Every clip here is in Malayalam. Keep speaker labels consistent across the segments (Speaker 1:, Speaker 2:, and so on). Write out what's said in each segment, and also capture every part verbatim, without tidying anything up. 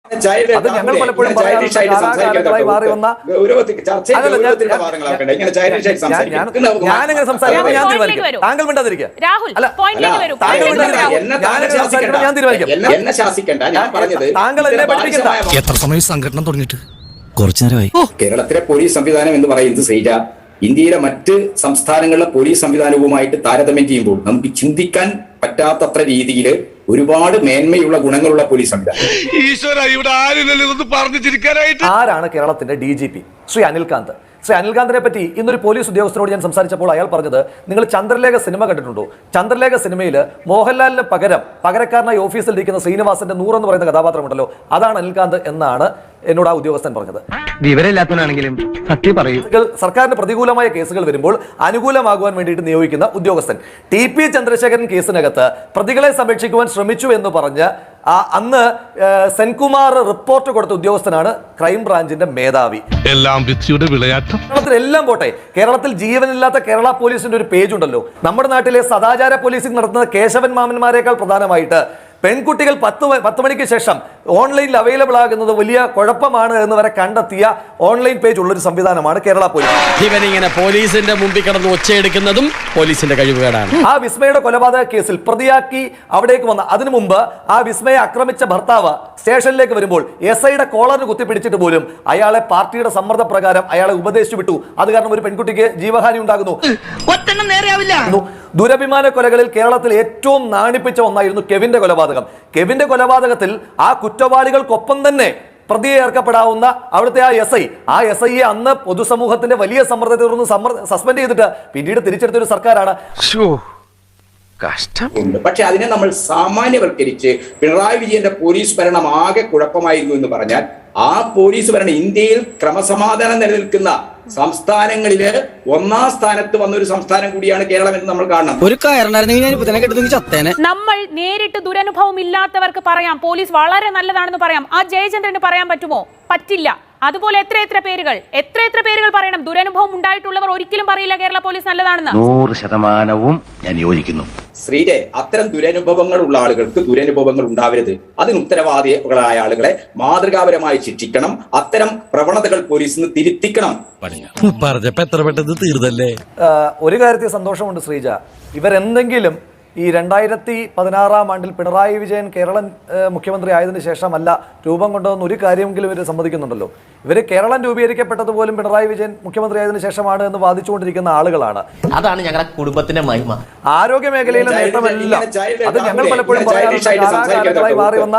Speaker 1: അത് ഞങ്ങൾ പലപ്പോഴും കാലാകാലങ്ങളായി മാറി വന്ന ഞാനെങ്ങനെ സംസാരിക്കുന്നത് ഞാൻ തീരുമാനിക്കും. താങ്കൾ മിണ്ടാതിരിക്കുക. ഞാൻ തീരുമാനിക്കും. താങ്കൾ എന്നെ പഠിപ്പിക്കണ്ട.
Speaker 2: എത്ര സമയം സംഘടന തുടങ്ങിയിട്ട്? കുറച്ചു നേരമായി.
Speaker 3: കേരളത്തിലെ പോലീസ് സംവിധാനം എന്ന് പറയുന്നത് ശ്രീജ ഇന്ത്യയിലെ മറ്റ് സംസ്ഥാനങ്ങളിലെ പോലീസ് സംവിധാനവുമായിട്ട് താരതമ്യം ചെയ്യുമ്പോൾ നമുക്ക് ചിന്തിക്കാൻ പറ്റാത്തത്ര രീതിയിൽ ഒരുപാട് മേന്മയുള്ള ഗുണങ്ങളുള്ള പോലീസ് സംവിധാനം.
Speaker 1: ആരാണ് കേരളത്തിന്റെ D G P? Shri Anilkant. Shri അനിൽകാന്തിനെ പറ്റി ഇന്നൊരു പോലീസ് ഉദ്യോഗസ്ഥനോട് ഞാൻ സംസാരിച്ചപ്പോൾ അയാൾ പറഞ്ഞത്, നിങ്ങൾ ചന്ദ്രലേഖ സിനിമ കണ്ടിട്ടുണ്ടോ? ചന്ദ്രലേഖ സിനിമയിൽ മോഹൻലാലിന് പകരം പകരക്കാരനായി ഓഫീസിൽ ഇരിക്കുന്ന ശ്രീനിവാസന്റെ നൂറ് എന്ന് പറയുന്ന കഥാപാത്രമുണ്ടല്ലോ, അതാണ് അനിൽകാന്ത് എന്നാണ് എന്നോട് ആ ഉദ്യോഗസ്ഥൻ പറഞ്ഞത്.
Speaker 4: വിവരമില്ലാത്തവനാണെങ്കിലും സത്യം പറയും.
Speaker 1: സർക്കാരിന് പ്രതികൂലമായ കേസുകൾ വരുമ്പോൾ അനുകൂലമാകുവാൻ വേണ്ടിയിട്ട് നിയോഗിക്കുന്ന ഉദ്യോഗസ്ഥൻ. ടി പി ചന്ദ്രശേഖരൻ കേസിനകത്ത് പ്രതികളെ സംരക്ഷിക്കുവാൻ ശ്രമിച്ചു എന്ന് പറഞ്ഞ് അന്ന് സെൻകുമാർ റിപ്പോർട്ട് കൊടുത്ത ഉദ്യോഗസ്ഥനാണ് ക്രൈംബ്രാഞ്ചിന്റെ മേധാവി.
Speaker 2: എല്ലാം വിധിയുടെ വിളയാട്ടം.
Speaker 1: കേരളത്തിൽ എല്ലാം പോട്ടെ, കേരളത്തിൽ ജീവനില്ലാത്ത കേരള പോലീസിന്റെ ഒരു പേജ് ഉണ്ടല്ലോ. നമ്മുടെ നാട്ടിലെ സദാചാര പോലീസിംഗ് നടത്തുന്ന കേശവൻ മാമന്മാരെക്കാൾ പ്രധാനമായിട്ട് പെൺകുട്ടികൾ പത്ത് പത്ത് മണിക്ക് ശേഷം ഓൺലൈനിൽ അവൈലബിൾ ആകുന്നത് വലിയ കുഴപ്പമാണ് എന്ന് വരെ കണ്ടെത്തിയ ഓൺലൈൻ പേജ് ഉള്ളൊരു സംവിധാനമാണ് കേരള പോലീസ്.
Speaker 5: ഇവനിങ്ങനെ പോലീസിന്റെ മുമ്പിൽ കിടന്ന് ഒച്ചയെടുക്കുന്നതും പോലീസിന്റെ കഴിവുകേടാണ്.
Speaker 1: ആ വിസ്മയുടെ കൊലപാതക കേസിൽ പ്രതിയാക്കി അവിടേക്ക് വന്ന അതിനു മുമ്പ് ആ വിസ്മയെ ആക്രമിച്ച ഭർത്താവ് സ്റ്റേഷനിലേക്ക് വരുമ്പോൾ എസ് ഐയുടെ കോളറിന് കുത്തിപ്പിടിച്ചിട്ട് പോലും അയാളെ പാർട്ടിയുടെ സമ്മർദ്ദ പ്രകാരം അയാളെ ഉപദേശിച്ചു വിട്ടു. അത് കാരണം ഒരു പെൺകുട്ടിക്ക് ജീവഹാനി ഉണ്ടാകുന്നു. ദുരഭിമാന കൊലകളിൽ കേരളത്തിൽ ഏറ്റവും നാണിപ്പിച്ച ഒന്നായിരുന്നു കെവിന്റെ കൊലപാതകം. കെവിന്റെ കൊലപാതകത്തിൽ ആ കുറ്റവാളികൾക്കൊപ്പം തന്നെ പ്രതിയെ ഏർക്കപ്പെടാവുന്ന അവിടുത്തെ ആ എസ് ഐ ആ എസ് ഐയെ അന്ന് പൊതുസമൂഹത്തിന്റെ വലിയ സമ്മർദ്ദത്തെ തുടർന്ന് സസ്പെൻഡ് ചെയ്തിട്ട് പിന്നീട് തിരിച്ചെടുത്തൊരു സർക്കാരാണ്.
Speaker 3: പക്ഷെ അതിനെ നമ്മൾ സാമാന്യവൽക്കരിച്ച് പിണറായി വിജയന്റെ പോലീസ് ഭരണം ആകെ കുഴപ്പമായിരുന്നു എന്ന് പറഞ്ഞാൽ ആ പോലീസ് ഭരണം ഇന്ത്യയിൽ ക്രമസമാധാനം നിലനിൽക്കുന്ന സംസ്ഥാനങ്ങളില് ഒന്നാം സ്ഥാനത്ത് വന്ന ഒരു സംസ്ഥാനം കൂടിയാണ് കേരളം എന്ന് നമ്മൾ കാണണം.
Speaker 5: ഒരു കാരണം
Speaker 6: നമ്മൾ നേരിട്ട് ദുരനുഭവം ഇല്ലാത്തവർക്ക് പറയാം പോലീസ് വളരെ നല്ലതാണെന്ന് പറയാം. ആ ജയചന്ദ്രന് പറയാൻ പറ്റുമോ? പറ്റില്ല. അതുപോലെ എത്ര എത്ര പേരുകൾ എത്ര എത്ര പേരുകൾ പറയണം. ദുരനുഭവം ഉണ്ടായിട്ടുള്ളവർ ഒരിക്കലും പറയില്ല കേരള പോലീസ് നല്ലതാണെന്ന്.
Speaker 4: നൂറ് ശതമാനവും ഞാൻ യോജിക്കുന്നു.
Speaker 3: ശ്രീജെ, അത്തരം ദുരനുഭവങ്ങൾ ഉള്ള ആളുകൾക്ക് ദുരനുഭവങ്ങൾ ഉണ്ടാവരുത്. അതിന് ഉത്തരവാദികളായ ആളുകളെ മാതൃകാപരമായി ശിക്ഷിക്കണം. അത്തരം പ്രവണതകൾ പോലീസിന് തിരുത്തിക്കണം.
Speaker 1: ഒരു കാര്യത്തിൽ സന്തോഷമുണ്ട് ശ്രീജ, ഇവരെന്തെങ്കിലും ഈ രണ്ടായിരത്തി പതിനാറാം ആണ്ടിൽ പിണറായി വിജയൻ കേരളം മുഖ്യമന്ത്രി ആയതിനു ശേഷമല്ല രൂപം കൊണ്ടുവന്ന ഒരു കാര്യമെങ്കിലും ഇവർ സമ്മതിക്കുന്നുണ്ടല്ലോ. ഇവർ കേരളം രൂപീകരിക്കപ്പെട്ടത് പോലും പിണറായി വിജയൻ മുഖ്യമന്ത്രി ആയതിനു ശേഷമാണ് എന്ന് വാദിച്ചുകൊണ്ടിരിക്കുന്ന ആളുകളാണ്.
Speaker 5: അതാണ് ഞങ്ങളുടെ കുടുംബത്തിന്റെ മഹിമ.
Speaker 1: ആരോഗ്യ മേഖലയിലെ നേട്ടമല്ല അത് ഞങ്ങൾ പലപ്പോഴും കാലാകാലങ്ങളായി മാറി വന്ന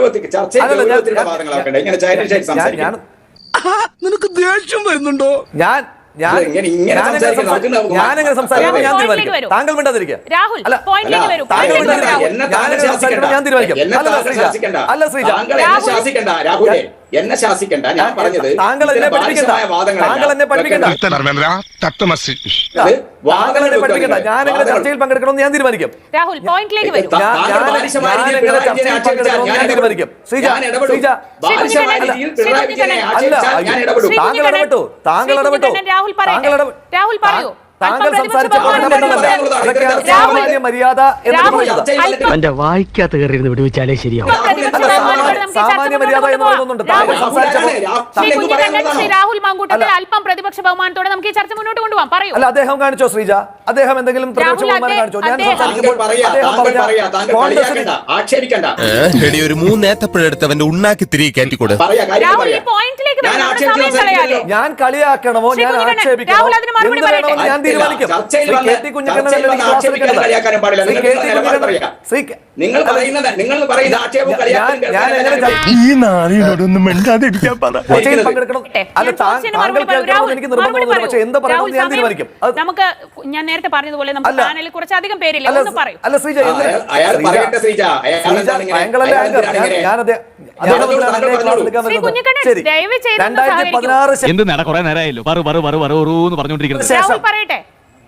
Speaker 1: ഞാൻ
Speaker 2: നിനക്ക് ദേഷ്യം വരുന്നുണ്ടോ?
Speaker 1: ഞാൻ ഞാനെങ്ങനെ സംസാരിക്കണം ഞാൻ തീരുമാനിക്കും. താങ്കൾ മിണ്ടാതിരിക്കുക. ഞാൻ തീരുമാനിക്കും. അല്ല ശ്രീജ,
Speaker 3: എന്നെ ശാസിക്കണ്ട. ഞാൻ പറഞ്ഞത്
Speaker 1: താങ്കൾ എന്നെ പഠിപ്പിക്കണ്ട. താങ്കൾ എന്നെ പഠിപ്പിക്കണ്ട. താങ്കൾ എന്നെ പഠിപ്പിക്കണ്ട. ഞാനെങ്ങനെ ചർച്ചയിൽ പങ്കെടുക്കണമെന്ന് ഞാൻ തീരുമാനിക്കും.
Speaker 6: രാഹുൽ പോയിന്റിലേക്ക് വരും.
Speaker 1: ഞാൻ തീരുമാനിക്കും. ശ്രീജ ശ്രീജ താങ്കൾ ഇടപെട്ടു. താങ്കൾ ഇടപെട്ടു. താങ്കൾ
Speaker 6: രാഹുൽ പറയൂ.
Speaker 1: താങ്കൾ സംസാരിച്ചപ്പോൾ സാമാന്യ മര്യാദ
Speaker 4: എന്റെ വായിക്കാത്ത കയറിയിരുന്ന് വിടുവിച്ചാലേ ശരിയാവും.
Speaker 1: സാമാന്യ മര്യാദ എന്ന് പറയുന്നുണ്ട്.
Speaker 6: രാഹുൽ മാങ്കൂട്ടത്തിൽ അല്പം പ്രതിപക്ഷ ബഹുമാനത്തോടെ നമുക്ക് ഈ ചർച്ച മുന്നോട്ട് കൊണ്ടുപോകാം. പറയൂ.
Speaker 1: അല്ല, അദ്ദേഹം കാണിച്ചോ ശ്രീജ? അദ്ദേഹം എന്തെങ്കിലും പ്രതിപക്ഷ ബഹുമാനം കാണിച്ചോ? ഞാൻ
Speaker 2: ഒരു മൂന്നേത്തപ്പഴെടുത്തവന്റെ ഉണ്ണാക്കി തിരികെ കയറ്റിക്കൂടെ?
Speaker 1: ഞാൻ കളിയാക്കണമോ ഞാൻ ആക്ഷേപിക്കണമോ എന്ത് വേണമെന്ന് ഞാൻ തീരുമാനിക്കും.
Speaker 2: ഈ നാളിനോടൊന്നും മിണ്ടാതിരിക്കാൻ പറ.
Speaker 1: അല്ല, താങ്കൾ കേൾക്കണമെന്ന് എനിക്ക് നിർബന്ധമൊന്നുമില്ല. പക്ഷെ എന്ത് പറയണമെന്ന് ഞാൻ തീരുമാനിക്കും.
Speaker 6: നമുക്ക് ഞാൻ നേരത്തെ പറഞ്ഞതുപോലെ നമുക്ക് പാനലിൽ കുറച്ചധികം പേരില്ല. ഒന്ന് പറയൂ.
Speaker 1: അല്ല ശ്രീജ, രണ്ടായിരത്തി പതിനാറ്
Speaker 7: എന്ത് നേടാ കുറെ നേരമായല്ലോ പറഞ്ഞോണ്ടിരിക്കുന്നത്.
Speaker 6: പറയട്ടെ.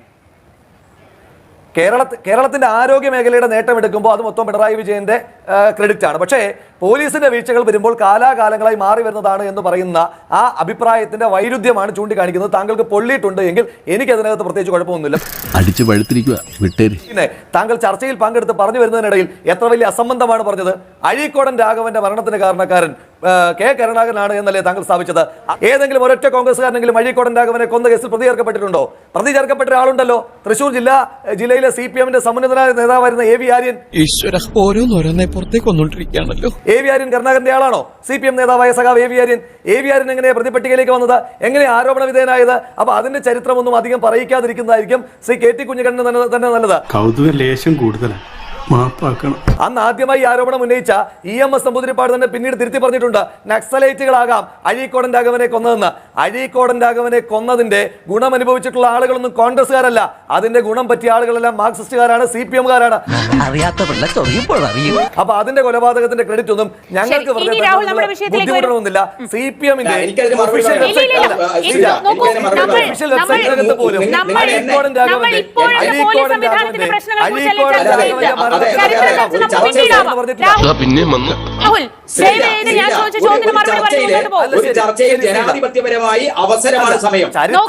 Speaker 1: കേരള കേരളത്തിന്റെ ആരോഗ്യ മേഖലയുടെ നേട്ടം എടുക്കുമ്പോൾ അത് മൊത്തം പിണറായി വിജയന്റെ ക്രെഡിറ്റ് ആണ്. പക്ഷേ പോലീസിന്റെ വീഴ്ചകൾ വരുമ്പോൾ കാലാകാലങ്ങളായി മാറി വരുന്നതാണ് എന്ന് പറയുന്ന ആ അഭിപ്രായത്തിന്റെ വൈരുദ്ധ്യമാണ് ചൂണ്ടിക്കാണിക്കുന്നത്. താങ്കൾക്ക് പൊള്ളിയിട്ടുണ്ട് എങ്കിൽ എനിക്ക് അതിനകത്ത് പ്രത്യേകിച്ച് കുഴപ്പമൊന്നുമില്ല.
Speaker 2: അടിച്ചു പഴുത്തിരിക്കുക വിട്ടേര്.
Speaker 1: പിന്നെ താങ്കൾ ചർച്ചയിൽ പങ്കെടുത്ത് പറഞ്ഞു വരുന്നതിനിടയിൽ എത്ര വലിയ അസംബന്ധമാണ് പറഞ്ഞത്. അഴീക്കോടൻ രാഘവന്റെ മരണത്തിന് കാരണക്കാരൻ ആ, കെ കരുണാകരനാണ് എന്നല്ലേ താങ്കൾ സ്ഥാപിച്ചത്? ഏതെങ്കിലും ഒരൊറ്റ കോൺഗ്രസ്സുകാരനെങ്കിലും അഴീക്കോടൻ രാഘവനെ കൊന്ന കേസിൽ പ്രതി ചേർക്കപ്പെട്ടിട്ടുണ്ടോ? പ്രതി ചേർക്കപ്പെട്ട ഒരാളുണ്ടല്ലോ, തൃശൂർ ജില്ലാ ജില്ലയിലെ സി പി എമ്മിന്റെ സമുന്നതനായ നേതാവായിരുന്ന എ വി ആര്യൻ.
Speaker 2: ഈശ്വര ഓരോന്നോരോന്നെ പുറത്തേക്ക് വന്നോണ്ടിരിക്കുകയാണല്ലോ.
Speaker 1: എ വി ആര്യൻ കരുണാകരന്റെ ആളാണോ? സി പി എം നേതാവായ സഖാവ് A V Aryan. A V Aryan എങ്ങനെ പ്രതിപട്ടികയിലേക്ക് വന്നത്? എങ്ങനെ ആരോപണ വിധേയനായത്? അപ്പൊ അതിന്റെ ചരിത്രമൊന്നും അധികം പറയിക്കാതിരിക്കുന്നതായിരിക്കും ശ്രീ കെ ടി കുഞ്ഞിക്കണ്ണന് തന്നെ തന്നെ നല്ലത്.
Speaker 8: കൗതുക ലേശം കൂടുതലാണ്, മാപ്പാക്കണം.
Speaker 1: അന്ന് ആദ്യമായി ആരോപണം ഉന്നയിച്ച ഇ എം എസ് നമ്പൂതിരിപ്പാട് തന്നെ പിന്നീട് തിരുത്തി പറഞ്ഞിട്ടുണ്ട്, നക്സലൈറ്റുകളാകാം അഴീക്കോടൻ രാഘവനെ കൊന്നതെന്ന്. അഴീക്കോടൻ രാഘവനെ കൊന്നതിന്റെ ഗുണം അനുഭവിച്ചിട്ടുള്ള ആളുകളൊന്നും കോൺഗ്രസ്സുകാരല്ല. അതിന്റെ ഗുണം പറ്റിയ ആളുകളെല്ലാം മാർക്സിസ്റ്റുകാരാണ്, സി പി എമ്മുകാരാണ്. അപ്പൊ അതിന്റെ കൊലപാതകത്തിന്റെ ക്രെഡിറ്റ് ഒന്നും ഞങ്ങൾക്ക് ബുദ്ധിമുട്ടണമെന്നില്ല. സി പി എമ്മിന്റെ
Speaker 3: ഒരു ചർച്ചയിൽ ജനാധിപത്യപരമായി അവസരമാണ് സമയം.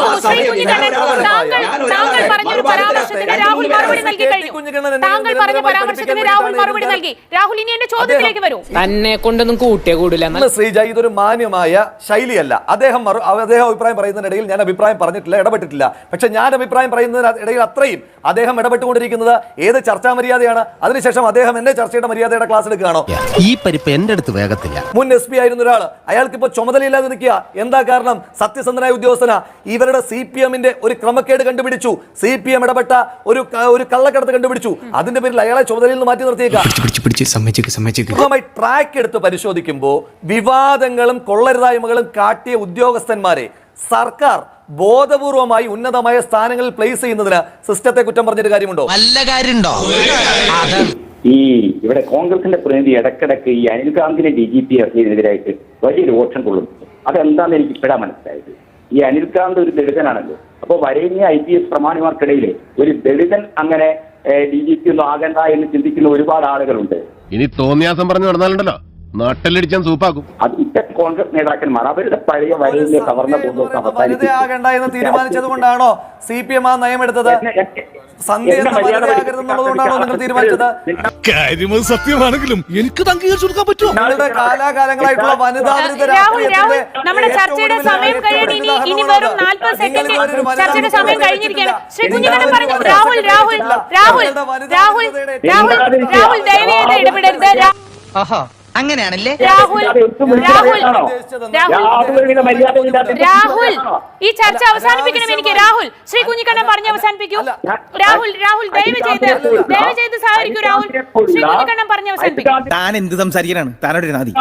Speaker 6: തന്നെ കൊണ്ടൊന്നും കൂട്ടിയ കൂടില്ല.
Speaker 1: ശ്രീജ, ഇതൊരു മാന്യമായ ശൈലിയല്ല. അദ്ദേഹം അദ്ദേഹം അഭിപ്രായം പറയുന്നതിനിടയിൽ ഞാൻ അഭിപ്രായം പറഞ്ഞിട്ടില്ല, ഇടപെട്ടിട്ടില്ല. പക്ഷെ ഞാൻ അഭിപ്രായം പറയുന്നതിനിടയിൽ അത്രയും അദ്ദേഹം ഇടപെട്ടുകൊണ്ടിരിക്കുന്നത് ഏത് ചർച്ചാ മര്യാദയാണ്? അതിനുശേഷം അദ്ദേഹം എന്നെ ചർച്ചയുടെ മര്യാദയുടെ ക്ലാസ് എടുക്കുകയാണോ?
Speaker 2: ഈ പരിപ്പ് എന്റെ അടുത്ത് വേഗത്തില്ല.
Speaker 1: മുൻ എസ് പി ആയിരുന്ന ഒരാൾ, അയാൾക്ക് ഇപ്പൊ ചുമതലയില്ലാതെ നിൽക്കുക. എന്താ കാരണം? സത്യസന്ധനായ ഉദ്യോഗസ്ഥന. ഇവരുടെ സി പി എമ്മിന്റെ ഒരു ക്രമക്കേട് കണ്ടുപിടിച്ചു, സി പി എം ഇടപെട്ട ഒരു ഒരു കള്ളക്കടത്ത് കണ്ടുപിടിച്ചു. അതിന്റെ പേരിൽ അയാളെ ചുമതലയിൽ നിന്ന് മാറ്റി നിർത്തിയേക്കാം. ട്രാക്ക് എടുത്ത് പരിശോധിക്കുമ്പോൾ വിവാദങ്ങളും കൊള്ളരുതായ്മകളും കാട്ടിയ ഉദ്യോഗസ്ഥന്മാരെ സർക്കാർ ബോധപൂർവമായി ഉന്നതമായ സ്ഥാനങ്ങളിൽ പ്ലേസ് ചെയ്യുന്നതിന് സിസ്റ്റത്തെ കുറ്റം പറഞ്ഞിട്ട് കാര്യമുണ്ടോ?
Speaker 2: നല്ല കാര്യമുണ്ടോ?
Speaker 9: ഈ ഇവിടെ കോൺഗ്രസിന്റെ പ്രതിനിധി ഇടക്കിടക്ക് ഈ അനിൽകാന്തിനെ ഡി ജി പി ഇറക്കിയതിനെതിരായിട്ട് വലിയൊരു ഓപ്ഷൻ കൊള്ളുന്നു. അതെന്താന്ന് എനിക്ക് ഇപ്പോഴാ മനസ്സിലായത്. ഈ അനിൽകാന്ത് ഒരു ദളിതനാണല്ലോ. അപ്പൊ വരേണ്യ ഐ പി എസ് പ്രമാണിമാർക്കിടയിൽ ഒരു ദളിതൻ അങ്ങനെ ഡി ജി പി ഒന്നും ആകണ്ട എന്ന് ചിന്തിക്കുന്ന ഒരുപാട് ആളുകളുണ്ട്.
Speaker 2: ഇനി തോന്നിയാസം പറഞ്ഞു നടന്നാലുണ്ടല്ലോ നാട്ടിലടിച്ചാൻ സൂപ്പാക്കും.
Speaker 9: അത് ഇത്തരം കോൺഗ്രസ് നേതാക്കന്മാർ അവരുടെ പഴയ വരേണ്യ കവർന്ന
Speaker 1: വനിതയാകണ്ട എന്ന് തീരുമാനിച്ചത് കൊണ്ടാണോ സി പി എം ആ നയമെടുത്തത്?
Speaker 2: സത്യമാണെങ്കിലും എനിക്ക് അംഗീകരിച്ചു കൊടുക്കാൻ പറ്റുമോ?
Speaker 1: നിങ്ങളുടെ കാലാകാലങ്ങളായിട്ടുള്ള വനിതാ
Speaker 6: നമ്മുടെ ചർച്ചയുടെ സമയം കഴിയാൻ ഇനി ഇനി വെറും നാൽപ്പത് സെക്കൻഡ് ചർച്ചയുടെ സമയം കഴിഞ്ഞിരിക്കുകയാണ്. ശ്രീ കുഞ്ഞിക്കണ്ണൻ പറഞ്ഞു. രാഹുൽ രാഹുൽ രാഹുൽ രാഹുൽ രാഹുൽ രാഹുൽ ദയവേത് ഇടപെടരുത്.
Speaker 4: അങ്ങനെയാണല്ലേ
Speaker 6: രാഹുൽ രാഹുൽ രാഹുൽ ഈ ചർച്ച അവസാനിപ്പിക്കണം. എനിക്ക് രാഹുൽ ശ്രീ കുഞ്ഞിക്കണ്ണൻ പറഞ്ഞ് അവസാനിപ്പിക്കൂ. രാഹുൽ രാഹുൽ ദയവ് ചെയ്ത് ദയവ് ചെയ്ത് സഹകരിക്കൂ. രാഹുൽ ശ്രീ കുഞ്ഞിക്കണ്ണൻ പറഞ്ഞ് അവസാനിപ്പിക്കും.
Speaker 4: താൻ എന്ത് സംസാരിക്കാനാണ്? താനോട് നാദി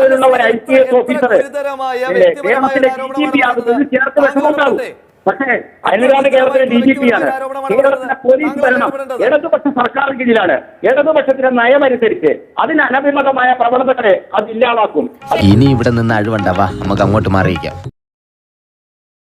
Speaker 9: പക്ഷേ അനിൽകാന്ത് കേരളത്തിലെ ഡി ജി പി ആണ്. കേരളത്തിലെ പോലീസ് ഭരണം ഇടതുപക്ഷ സർക്കാർ കീഴിലാണ്. ഇടതുപക്ഷത്തിന്റെ നയമനുസരിച്ച് അതിന് അനഭിമതമായ പ്രവണതകളെ അത് ഇല്ലാതാക്കും.
Speaker 4: ഇനി ഇവിടെ നിന്ന് അഴിവണ്ടാവാ, നമുക്ക് അങ്ങോട്ട് മാറിയിക്കാം.